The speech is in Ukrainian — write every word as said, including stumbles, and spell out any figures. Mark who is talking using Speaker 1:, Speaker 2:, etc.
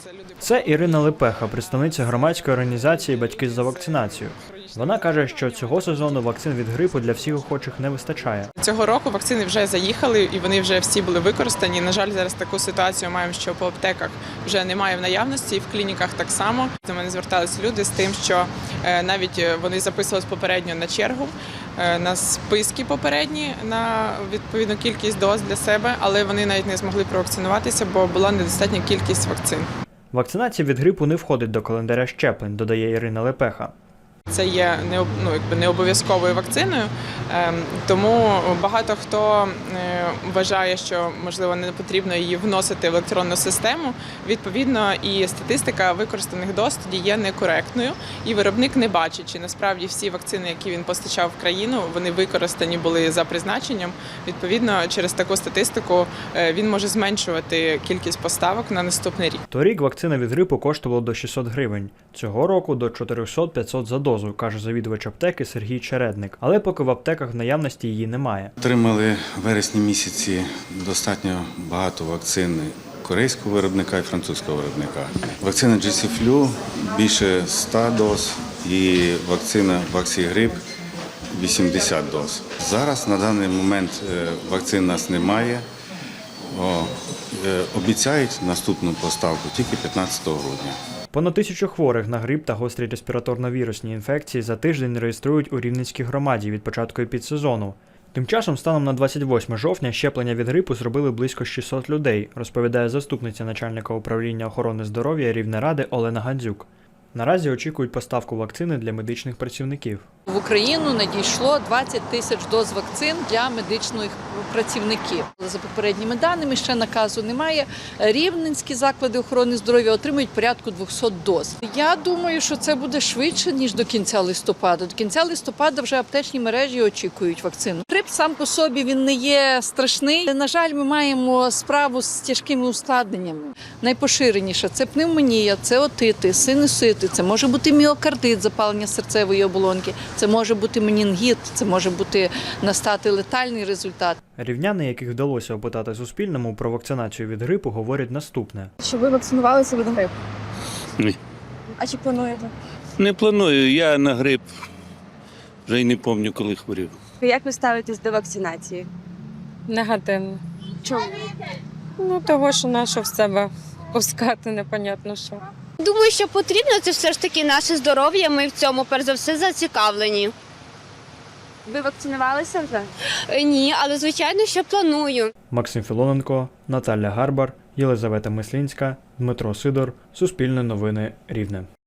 Speaker 1: Це Ірина Лепеха, представниця громадської організації «Батьки за вакцинацію». Вона каже, що цього сезону вакцин від грипу для всіх охочих не вистачає.
Speaker 2: Цього року вакцини вже заїхали і вони вже всі були використані. На жаль, зараз таку ситуацію маємо, що по аптеках вже немає в наявності, і в клініках так само. До мене зверталися люди з тим, що навіть вони записувалися попередньо на чергу, на списки попередні, на відповідну кількість доз для себе, але вони навіть не змогли провакцинуватися, бо була недостатня кількість вакцин.
Speaker 1: Вакцинація від грипу не входить до календаря щеплень, додає Ірина Лепеха.
Speaker 2: Це є не, ну, якби не обов'язковою вакциною, тому багато хто вважає, що, можливо, не потрібно її вносити в електронну систему. Відповідно, і статистика використаних доз тоді є некоректною, і виробник не бачить, чи насправді всі вакцини, які він постачав в країну, вони використані були за призначенням. Відповідно, через таку статистику він може зменшувати кількість поставок на наступний рік.
Speaker 1: Торік вакцина від грипу коштувала до шістсот гривень, цього року до чотириста-п'ятсот за дозу, каже завідувач аптеки Сергій Чередник. Але поки в аптеках в наявності її немає.
Speaker 3: Отримали в вересні місяці достатньо багато вакцин корейського виробника і французького виробника. Вакцина джі сі флю більше ста доз і вакцина Ваксігрип вісімдесят доз. Зараз на даний момент вакцин у нас немає. О, обіцяють наступну поставку тільки п'ятнадцятого грудня.
Speaker 1: Понад тисячу хворих на грип та гострі респіраторно-вірусні інфекції за тиждень реєструють у Рівненській громаді від початку епідсезону. Тим часом, станом на двадцять восьме жовтня, щеплення від грипу зробили близько шістсот людей, розповідає заступниця начальника управління охорони здоров'я Рівнеради Олена Гандзюк. Наразі очікують поставку вакцини для медичних працівників.
Speaker 4: В Україну надійшло двадцять тисяч доз вакцин для медичних працівників. За попередніми даними, ще наказу немає. Рівненські заклади охорони здоров'я отримують порядку двохсот доз. Я думаю, що це буде швидше, ніж до кінця листопада. До кінця листопада вже аптечні мережі очікують вакцину. Грип сам по собі він не є страшний. На жаль, ми маємо справу з тяжкими ускладненнями. Найпоширеніше – це пневмонія, це отити, синусити, це може бути міокардит, запалення серцевої оболонки. Це може бути менінгіт, це може бути настати летальний результат.
Speaker 1: Рівняни, яких вдалося опитати Суспільному про вакцинацію від грипу, говорять наступне.
Speaker 5: Чи ви вакцинувалися від грипу?
Speaker 6: Ні.
Speaker 5: А чи плануєте?
Speaker 6: Не планую, я на грип вже й не пам'ятаю, коли хворів.
Speaker 5: Як ви ставитесь до вакцинації?
Speaker 7: Негативно.
Speaker 5: Чому?
Speaker 7: Ну, того, що нащо в себе пускати, непонятно що.
Speaker 8: Думаю, що потрібно, це все ж таки наше здоров'я, ми в цьому перш за все зацікавлені.
Speaker 5: Ви вакцинувалися вже?
Speaker 8: Ні, але звичайно, що планую.
Speaker 1: Максим Філоненко, Наталя Гарбар, Єлизавета Мислінська, Дмитро Сидор, Суспільне новини, Рівне.